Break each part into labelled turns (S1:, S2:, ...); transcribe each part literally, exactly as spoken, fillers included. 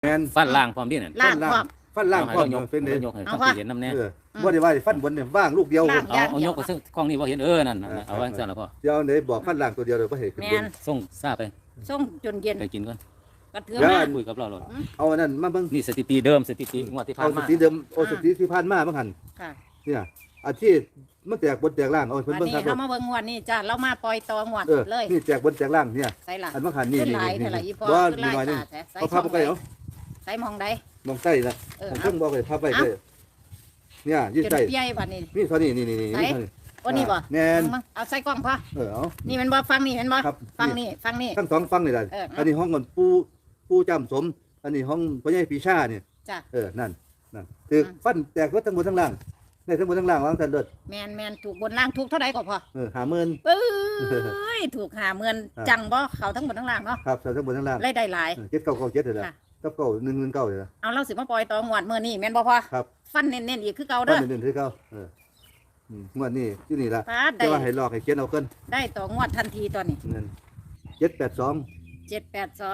S1: แมน
S2: ฟันล่างพร้อมดินั่น
S3: ล่างพร้อม
S1: ฟันล่างพร้อม
S2: ยก
S1: เป็นเลย
S2: ยกให้
S3: เอา
S2: ฟัง
S3: วะ
S2: เห็นน้ำแน่
S1: เออบ่ได้ว่าฟันบนเนี่ยว่างลูกเดียว
S3: ล่าง
S2: เอาเอายกไปซึ่งกล้องนี้บ่เห็นเออนั่นนั่นเอาไว้ซั่นแล้วพ่อ
S1: เดี๋ยวไหนบอกฟันล่างตัวเดียวเลยบ่เห็นขึ้น
S3: แม
S1: บ
S3: น
S1: น
S2: ส่งซาไป
S3: ส่งจนเย็น
S2: ไปกินก่อน
S3: กระเทือ
S1: เดี๋ยว
S3: มา
S2: คุยกับเราเลย
S1: เอาอันนั้นมาเบิ่ง
S2: นี่สถิติเดิมสถิติงวดที่ผ่า
S1: เอา
S2: น
S1: ส
S2: มา
S1: ติเดิมโอาสติที่ผ่านมาบ้างหัน
S3: ค่ะ
S1: เนี่ยอันที่มันแตกบนแตกล่างเอาให้เพิ่น
S3: วัน
S1: เบิ่ง
S3: นี้
S1: ครับ
S3: เขามาเบิ่งงวดนี้จ้าเรามาปล่อยตองวด
S1: เออ
S3: เลย
S1: นี่แตกบนแตกล่างเนี่ย
S3: ใส่ละ
S1: อันบ้างหันนี่
S3: ขึ้น
S1: นี่
S3: หลาย
S1: นี่
S3: เท่าไหร่อีพอ
S1: ว่า
S3: ขึ้น
S1: มี
S3: หลาย
S1: หน่อยนึง
S3: ตาแท้ใส่
S1: เอาภาพไปเอา
S3: ใส่มองใด
S1: มองใต้นะ
S3: เออ
S1: ผม
S3: เอา
S1: เพิ่งบอกเลยภาพไปเลยเนี่ยยืด
S3: จน
S1: ใต้
S3: เปียบัดนี้
S1: นี่เท่านี้นี่นี่นี่
S3: ไหน
S1: นี่เท่านี้
S3: โอ้นี่บ่
S1: แน่น
S3: เอามาเอาใส่กล้องพ่อ
S1: เออเอา
S3: นี่มันบ่ฟังนี่มันบ่
S1: ครับ
S3: ฟังนี่ฟังนี่
S1: ทั้งสองฟังนี่แหละ
S3: เออเอา
S1: อันนี้ห้องก่อนปูปูจำสม อันนี้ห้องพ่อใหญ่ปีชาเนี่ย
S3: จ้ะ
S1: เออนั่นนั่นคือ
S3: อืม
S1: ฟันแตกรถทั้งบนทั้งล่างในทั้งบนทั้งล่างวางแต่เลิศ
S3: แมนแมนถูกบนล่างถูกเท่าไหร่ก็พอ
S1: เออหาหมื่น
S3: เอ้ยถูกหาเมือน
S1: อ่า
S3: จังบ่เขาทั้งหมดทั้งล่างเนาะ
S1: ครับทั้งบนทั้งล่าง
S3: ไล่ได้หลาย
S1: เออเจ็ดเก้าเก้าเจ็ดเลยนะ
S3: ค่ะ
S1: เก้าเก้าหนึ่งหนึ่งเก้าเลยนะ
S3: เอาเราสิมาปล่อยตองวดมื้อนี้แม่นบ่พอ
S1: ครับ
S3: ฟันเน้นๆอีกคือเก่า
S1: ฟั
S3: เด้
S1: น
S3: อ
S1: หนึ่งหนึ่งที่เก้าเอออืมงวดนี้ที่นี่ละ
S3: ปาด
S1: แต่
S3: ได้
S1: ว่าให้ลอกให้เขียนเอาขึ้น
S3: ได้ต่องวดทันทีตอนนี้
S1: เงินเจ็ดแปดสอง
S3: เจ็ดแปดสอง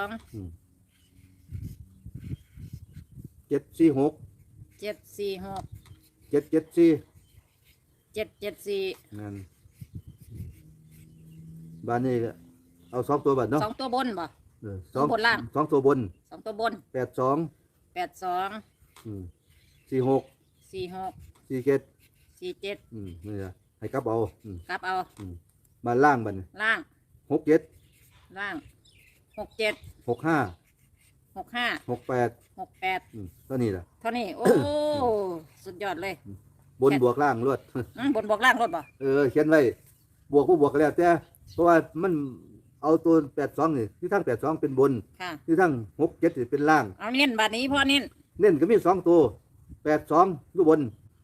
S1: เจ็ดสี่หก
S3: เจ็ดสี่หก
S1: เจ็ดเจ็ดสี่
S3: เจ็ดเจ็ดสี่
S1: เงินบ้านนี้ก็เอาสองตัวบัตรเนาะ
S3: สองตัวบนบ่
S1: เออ
S3: สองบนล่าง
S1: สองตัวบน
S3: สองตัวบน
S1: แปดสอง
S3: แปดสอง
S1: อืมสี่หก
S3: สี่หก
S1: สี่เจ็ด
S3: สี่เจ็ด
S1: อืมนี่นะให้กลับเอาอืม
S3: กลับเอา
S1: มาล่างบัดน
S3: ล่าง
S1: หกเจ็ด
S3: ล่างหกเจ็ด
S1: หกห้า
S3: หกห้า
S1: หกแปด
S3: หกแปด
S1: อืมเท่านี้แหละ
S3: เท่านี้โอ้ สุดยอดเลย
S1: บนบวกล่างรวด
S3: อืมบนบอกล่างรถบ่
S1: เออเขียนไว้บวกก็บวกกันแล้วแต่เพราะว่ามันเอาตัวแปดสองนี่ที่ทั้งแปดสองเป็นบน
S3: ค่ะ
S1: ที่ทั้งหกเจ็ดเป็นล่าง
S3: เอาเน้นบัดนี้พ่อเน้น
S1: เน้นก็มีสองตัวแปดสองอยู่บน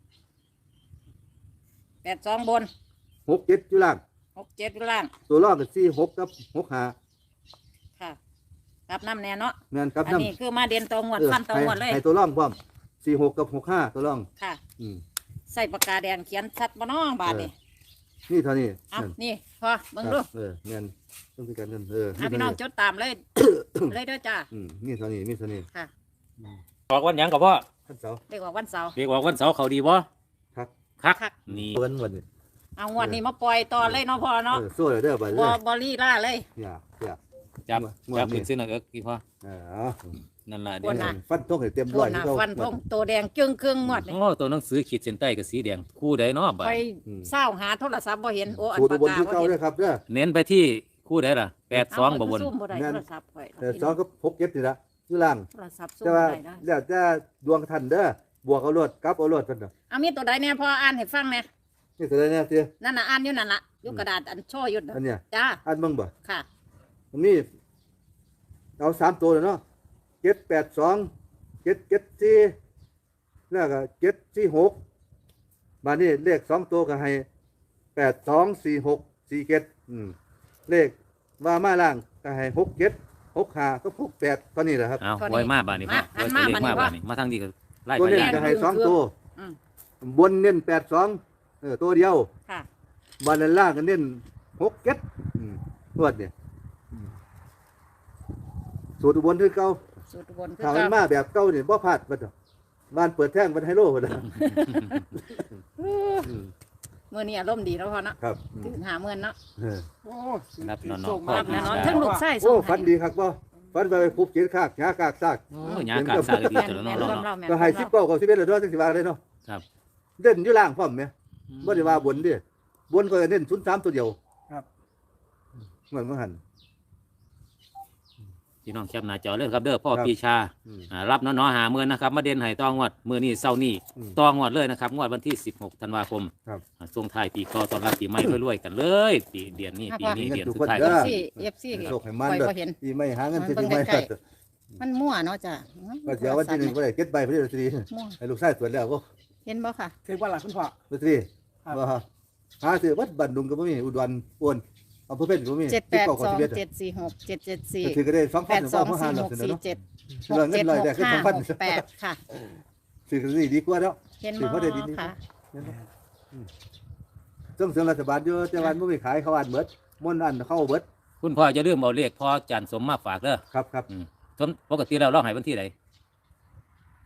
S3: แปดสองบน
S1: หกเจ็ดอยู่ล่าง
S3: หกเจ็ดล่าง
S1: ตัวล่างก็สี่หกกับหกห้า
S3: ค่ะกลับน้ำแน่เนาะ
S1: แม่นครับ
S3: อัน
S1: น้ำ
S3: นี้คือมาเด่นตองวด
S1: เออ
S3: ฟันตอง
S1: ให้
S3: วดเลย
S1: ให้ตัวล่องพร้อมสี่หกกับหกห้าตัวล่อง
S3: ค่ะ
S1: อืม
S3: ใส่ปากกาแดงเขียนชัดบ่น้องบาทนี่
S1: นี่เท่านี้
S3: เอา
S1: นั่น
S3: นี่พอเบิ่งดู
S1: เออเงินต้องพิการเงินเออ
S3: เอาพี่น้องจดตามเลย เลยเด้อจ้า
S1: อืมนี่เท่านี้นี่เท่านี้
S3: ค่ะ
S2: ออกวันหยังกับพ่อ
S1: ท่านเสาร์
S3: เรียกว่าวันเสาร์
S2: เรียกว่าวันเสาร์เขาดีบ่
S1: ครับ
S2: คัก
S3: คัก
S2: นี่
S1: วันวันนี้
S3: เอางวดนี้มาปล่อยต่อเลยเนาะพ่อเนาะ
S1: เออโซ่เลยเด้อไปเล
S3: บ่
S1: ย
S3: บ่ลีล่าเลย
S1: อย่าอย่า
S2: จับ
S1: งวด
S2: จับ
S1: นี้
S2: ขึ้นซื้อหน่อยเอิกกี่พ่อ
S1: เออเอา
S2: นั่นล่ะ
S3: ง
S2: เดี๋ยว
S3: วดหน้า
S1: ฟันทงให้เต็ม
S3: โท
S1: ร้อ
S3: ษ
S1: ย
S3: นะ
S1: ที่เขา
S3: ฟันธงตัวแดงจึงครึ่งงวดนี่
S2: โอ้ตัวหนังสือขีดเส้นใต้กับสีแดงคู่ใดเนาะบ่า
S3: ไป
S2: ย
S3: เศร้าหาโทรศัพท์บ่เห็นโอ้อัน
S1: สูตร
S3: ปาก
S1: บน
S3: กา
S1: ที่
S3: บ่
S1: เก่า
S3: เห็น
S1: ด้วยครับเด้อ
S2: เน้นไปที่คู่ใดล่ะแปดสองบ่บน
S3: ซุ่มบ่ได้โทรศัพท์ข่อย
S1: แต่สองก็พกเก็บนี่ละอยู่ล่าง
S3: โทรศัพท์ซุ่ม
S1: แต่
S3: บ่
S1: ว่า
S3: ได้นะ
S1: แล้วแต่ดวงท่านเด้อบวกเอารวดกลับเอารวดกันเด้อ
S3: เอามีตัวใดแน่พ่ออ่านให้ฟังแน่
S1: นี่ตัวใดเนี่ยเตี้ย
S3: นั่นน่ะอ่านอยู่นั่นล่ะอยู่กระดาษอันโชว์อยู่น่ะ
S1: อันเนี้ย
S3: จ้า
S1: อันเบิ่งบ่
S3: ค่ะ
S1: มันมีเอาสามตัวเลยเนาะเจ็ดแปดสองเจ็ดเจ็ดสี่แล้วก็เจ็ดสี่หกมานี่เลขสองตัวก็ให้แปดสองสี่หกสี่เจ็ดอืมเลขว่ามาล่างก็ให้หกเจ็ดหกห้าก็หกแปดเท่านี้แหละครับ
S2: เอา
S3: เท่านี้
S2: ไว้มาบ้านนี่พ่อ
S3: มา
S2: ไว้ตัวเลข
S3: มา
S2: มา
S3: บ้า
S2: บ้าน
S3: นนี่
S2: นี่มาทางนี้ก็ไล่
S1: ตัว
S2: ไป
S1: เน้น
S2: ย่าง
S1: ก็ให้สองตัว
S3: อืม
S1: บนเน้นแปดสองเออตัวเดียว
S3: ค่ะ
S1: บานล่างก็เน้นหกเจ็ดอืมรวดเนี่ยอืมสูตรอุบนคือเก่า
S3: สูตรบนคือ
S1: ถ้ามัน
S3: เก่า
S1: มาแบบเก่าเนี่ยบ่พลาดบัดเนาะบ้านเปิดแท่งเป็นไฮโลบัดเนาะอืม
S3: มื้อนี้อารมณ์ดีแล้วพ่อเนาะ
S1: ครับอื
S3: ถึ
S1: ม
S3: งหาเงินเนาะ
S1: เออ
S4: โอ้
S2: รับนอน
S4: ส่ง
S2: ๆ
S4: มา
S3: รับแน่นอน
S2: พ่
S3: ทั้งลูกชายส่
S1: โอ้
S3: ง
S1: ฝันดีครับบ่ฝันไปไปคุบเขียนคากหากากซาก
S2: โอ้ยหยากาศซาดี
S3: แม่น
S2: ตัวแล้ว
S3: แม่น
S2: เนาะ
S3: ความ
S2: เนาะ
S3: เราแม่น
S1: ก็ให้สิบเก้ากับสิบเอ็ดเลยเนาะจังสิว่าเลยเนาะ
S2: ครับ
S1: เด่นอยู่ล่างพร้อมไหมบ่ได้ว่าบนเดิบนก็เน้นศูนย์สามตัวเดียว
S4: ครับ
S1: เหมือนเมื่อหัน
S2: พี่น้องแคปหน้าจอเลยครับเด้อพ่อ
S1: ครับ
S2: ปีชา
S1: อืม
S2: อ่ารับเนาะเนาะหาเมื่อนะครับมาเด่นให้ตองวดมื้อนี้เช้านี้
S1: อืม
S2: ตองวดเลยนะครับงวดวันที่สิบหกธันวาคม
S1: ครับ
S2: อ่าช่วงท้ายปีเก่าต้อนรับปีใหม่รวยๆกันเลยปีเดือนนี้
S3: ครับ
S2: ปีนี้
S1: พ่อ
S2: เดือน
S1: ทุก
S2: สุด
S1: คน
S2: ท้าย
S1: เด้อ
S3: ซีเอฟซี
S1: โชคให้มัน
S3: คอย
S1: เด้อ
S3: บ่เห็น
S1: ปีไม่หาเงิน
S3: มัน
S1: ซื้อ
S3: เบิ่
S1: ปี
S3: ง
S1: ไม่
S3: ใกล้ มันมั่วเนาะจ้ะ
S1: ก็เดี๋ยววันที่หนึ่งก็ได้เก็บใบพอดีลอตเตอรี่
S3: มั่ว
S1: ให้ลูกชายตรวจแล้วก็
S3: เห็นบ่ค่ะ
S4: ถือว่าหลักคุณพ่อ
S1: ลอตเตอรี่
S4: ครับ
S1: ว่าหาซื้อวัดบันดุงก็บ่มีอุดรอ้วนอำเภอเพ็ญก็บ่มี
S3: เจ็ดแปด
S1: สิบ
S3: ส
S1: เก้า
S3: อง
S1: กับสิบเอ็ด
S3: เจ็ดสี่หกเจ็ดเจ็ดสี่
S1: ก็ถือก็ได้สอง
S3: แป
S1: พัน
S3: ด
S1: หรือ
S3: สอง
S1: ว่าห้า
S3: สี่
S1: ร้
S3: ห
S1: อย
S3: ก
S1: เสนอ
S3: สี่
S1: เนาะ
S3: เจ็ด
S1: เงินเงินร้อยแรกคือ
S3: ห้า
S1: สองพัน
S3: หกแปดค่ะ
S1: ซื้อก็ดีดีกว่าเนาะ
S3: เห็น
S1: ถือว่าได้ดีนี่
S3: ค่ะ
S1: ส่งเสริมรัฐบาลอยู่แต่วันบ่มีขายเขาอันเบิดม่วนอันเข้าเบิด
S2: คุณพ่อจะเริ่าลืมเอาเลขพ่อจันทร์สมมาฝากเด้อ
S1: ครับครับ
S2: อืมสมปกติแล้วเราให้วันที่ไหน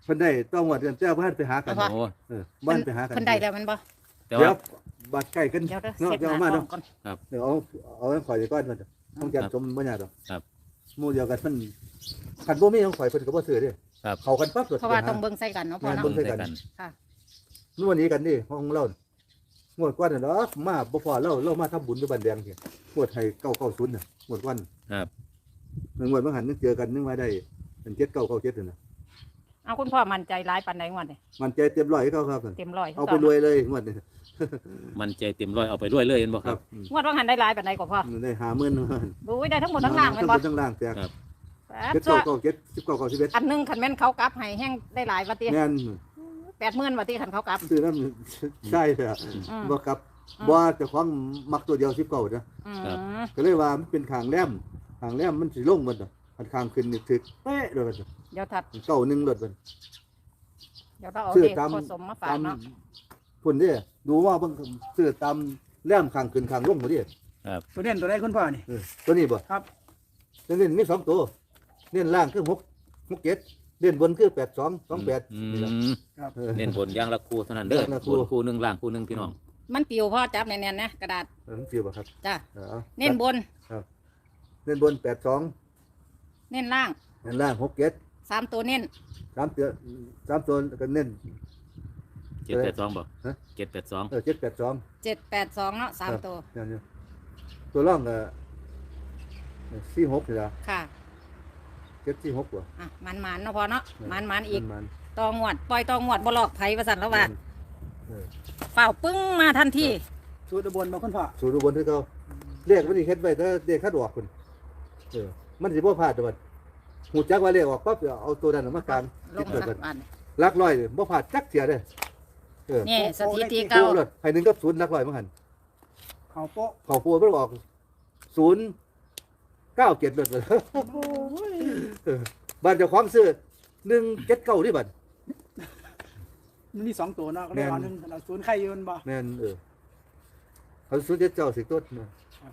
S1: เพิ่นได้ต้องงวดกันเจ้าบ้านไปหากัน
S3: เอา
S2: โอ้
S1: เออบ้านไปหากัน
S3: เพิ่นได้แล้วมันบ่
S2: แต่
S1: เดี๋
S2: ว่า
S1: ยวบัดใกล้กัน
S3: เดี๋ยวเด้อ
S1: เนาะ
S3: เสร็จ
S1: เดี๋ยว
S3: หน้า
S1: เอามา
S3: ท้อ
S1: เนาะ
S3: งก่อน
S1: เดี๋ยวเอาเอาไว้ข่อยก่อนมันต้องจัดสมบ่ยากดอก
S2: ครับ
S1: หมู่เดียวกันมันคันบ่มีของข่อยเพิ่นก็บ่ซื้อเด้
S2: ครับ
S1: เข้ากันปั๊บ
S3: เพราะว่าต้องเบิ่งใส่กันเนาะพ่อเนาะ
S1: เบิ่งใส่กัน
S3: ค่ะ
S1: นวดนี้กันนี่ห้องเรางวดกว่าน่ะเนาะมาบ่พอเราเรามาทำบุญอยู่บ้านแดงที่งวดให้เก้าเก้าศูนย์น่ะงวดกว่าน่ะ
S2: ครับ
S1: งวดบางหันนึกเจอกันนึกว่าได้เป็นเจ็ดเก้าเก้าเจ็ดนั่นน่ะ
S3: เอาคุณพ่อมั่นใจร้ายปานใดงวดนี่
S1: มันใจเต็มร้อยให้เขาครับ
S3: เต็มร้อย
S1: เอาไปรวยเลยงวดนี้
S2: มันใจเต็มร้อยเอาไปด้วยเลยเห็นบ่
S1: ค
S2: ค
S1: รั
S2: รั
S1: บบ อืม
S3: งวดว่าหันได้ร้ายปานใดกว่าพ่อ
S1: ได้หาหมื่น
S3: ดูไว้ได้ทั้งหมดทั้งล่างแม่นบ่
S1: ทั้งล่างแตก
S2: ครับ
S3: แปด
S1: เจ็ด
S3: ซัว
S1: เก้าเก้าเจ็ดสิบเก้าเก้าสิบเอ็ด
S3: อันหนึงคันแม่นเขากลับให้แห้งได้หลายว่าติ
S1: แม่น
S3: แปดหมื่นว่าติคันเขากลับ
S1: ซื้อน้ำใช่เลยอะ
S3: อืม
S1: บ่ครับบ่เจะคล้าของมักตัวเดียวสิบเก้านะ
S3: อื
S2: ครับ
S3: ม
S1: ก็เลยว่ามันเป็นขางแหลมขางแหลมมันสิลงมันน่ะอันขางขึ้นนี่ถึกเป๊ะเลยมันน่ะ
S3: เดี๋ยวถัด
S1: เก้าหนึ่งรถมัน
S3: เดี๋ยวเราเอา
S1: ซื้อ
S3: เด็ก
S1: ตาม
S3: ผสมมาฝา
S1: ตาก ม
S3: เนาะ
S1: พุ่นเด้ดูว่าเบิ่งซื้อตามแหลมขางขึ้นขางลงบ่ดิ
S4: ตัวเด่นตัวใดคุณพ่อนี่
S1: เออตัวนี้บ่
S4: ครับ
S1: เล่นมีสองตัวเล่นล่างคือหกหกเจ็ดเล่นบนคือแปดสองสองแปด
S2: อื
S1: นี่ล่ะ
S2: ม
S1: เออ
S2: เน้นบนอย่างละคู่เท่านั้นเด้อ
S1: อย่างละคู่
S2: บนคู่หนึงล่างคู่หนึงพี่น้อง
S3: มันปิวพ่อจับแน่นๆนะกระดาษ
S1: เออมันสิบ่ครับ
S3: จ้ะ
S1: เอออา
S3: เน้นบน
S1: เล่นบนแปดสอง
S3: เน้นล่าง
S1: เล่นล่างหกเจ็ด
S3: สามตัวเน้น
S1: สามตัวสามตัวก็เน้น
S2: เจ็ดแปดสองบ่
S1: ฮะ
S2: เจ็ดแปดสอง
S1: เออเจ็ดแปดสอง
S3: เจ็ดแปดสองเนาะสามตัว
S1: นั่นอยู่ตัวร่องก็สี่หกนี่ละ
S3: ค่ะ
S1: เจ็ดสี่หกกว่า
S3: อ่ะมันมันๆเนาะพอเนาะมันมันๆอีก
S1: มัน
S3: ตองวดปล่อยตองวดบ่หลอกไผว่าสั่นแล้วว่า
S1: เออ
S3: เป่าปึ้งมาทันที
S4: สูตรอุบลบ่คุณพ่อ
S1: สูตรอุบลที่เขาเรียกมันนี่เฮ็ดไว้ถ้าเรียกคัดออกคนเออมันสิบ่พลาดเดอกบัดหูจักว่าเรียกออกปั๊บเอาตัวนั้นมากลาง
S3: ล
S1: ติ
S3: ง
S1: ดเกิด
S3: สั
S1: กั
S3: ก
S1: น
S3: วัน
S1: ลักร้อยนี่บ่พลาดจักเสียเด้อเออ
S3: นี่สถิติ
S1: เก้า
S3: เก่า
S1: เลยให้หนึ่งกับศูนย์ลักร้อยมั้งหัน
S4: เขาโป๊ะ
S1: เขาปัวมันออกศูนย์เก้าเจ็ดเลยเออบ้านเจ้าของซื้อหนึ่งเจ็ดเก้านี่บัด
S4: มันมีสองตัวเนาะก็ได้เอาหนึ่งเราศูนย์ไข่ยืนบ่
S1: แม่นเออเขาซื้อเจ็ดเจ้าสิต้นนะ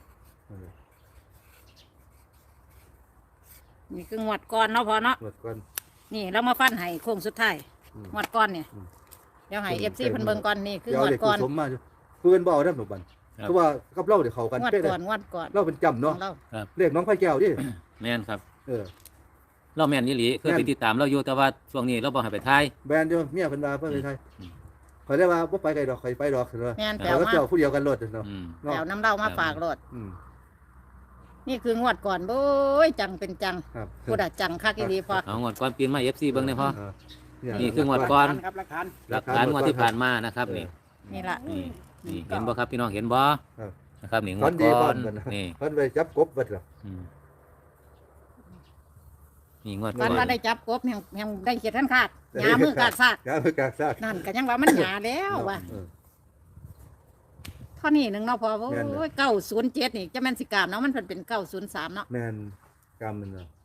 S3: นี่คืองวดก่อนเนาะพอเนาะ
S1: หมดก่อน
S3: นี่เรามาฟันให้โค้งสุดท้าย
S1: อืม
S3: งวดก่อนเนี่ย
S1: อืม
S3: เดี๋ยวให้เอฟซีเพิ่นเบิ่งก่อนนี่คืองวด
S1: เดี๋ยว
S3: ก่อน
S1: เด็กสมมาอยู่เพื่อนบ่เอาได้หนุบัน
S2: ครับ
S1: เพราะว่ากับเราเดี๋ยวเขากัน
S3: งวด
S1: เป๊ะเล
S3: ก่
S1: ย
S3: อนงวดก่อน
S1: เราเป็นจำ
S3: ขอ
S1: เนาะ
S3: งเรา
S1: เรียกน้องไผ่แก้วดิ
S2: แม่นครับ
S1: เออ
S2: เราแม่นยี่หลีเคย
S1: แม่น
S2: ไปติดตามเราอยู่แต่ว่าช่วงนี้เราบ่ให้ไปทาย
S1: แบรนด์เดียวเมียเพิ่นว่าเพิ่นไปไทย
S2: อืม
S1: ข่อยได้ว่าบ่ไปไกลดอกข่อยไปดอกเถอะ
S3: แม่นแปล
S1: ข่อยก็
S3: มา
S1: เจ้าผู้เดียวกันรถเนาะ
S2: อืม
S1: เนาะ
S3: แปลน้ำเล่ามาฝากรถ
S1: อืม
S3: นี่คืองวดก่อนโอ้ยจังเป็นจัง
S1: ครับ
S3: พูดอะจังคักอีหลีพอ
S2: เอางวดก่อนปีนมา เอฟ ซี เบิ่งได้พอ
S1: เออ
S2: นี่คืองวดก่อน
S4: ครับหลักฐาน
S2: หลักฐานงวดที่ผ่านมานะครับนี่
S3: นี่ล่ะ
S2: นี่นี่เห็นบ่ครับพี่น้องเห็นบ่
S1: ครับ
S2: นะครับนี่ง
S1: ฝั
S2: วด
S1: นดี
S2: ก่
S1: ก่
S2: อ
S1: อน
S2: น
S1: เพิ่น
S2: นี่
S1: เพิ่นไปจับกบเบิดล่ะ
S2: อืมนี่งวด
S3: ฟั
S2: ก่อน น
S3: ว่าได้จับกบยังยังได้เขียดท่านคาดหยามือกาดซาก
S1: ยามือกากซาก
S3: นั่นก็ยังว่ามันหยาแล้วว่ะ
S1: เออ
S3: เท่านี้หนึ่งเนาะพอโอ้
S1: แม่นเลย
S3: ยเก้าศูนย์เจ็ดนี่จะแม่นสิกรามเนาะมันเพิ่นเป็นเก้าศูนย์สามเนาะ
S1: แม่นกรรมมันเนาะ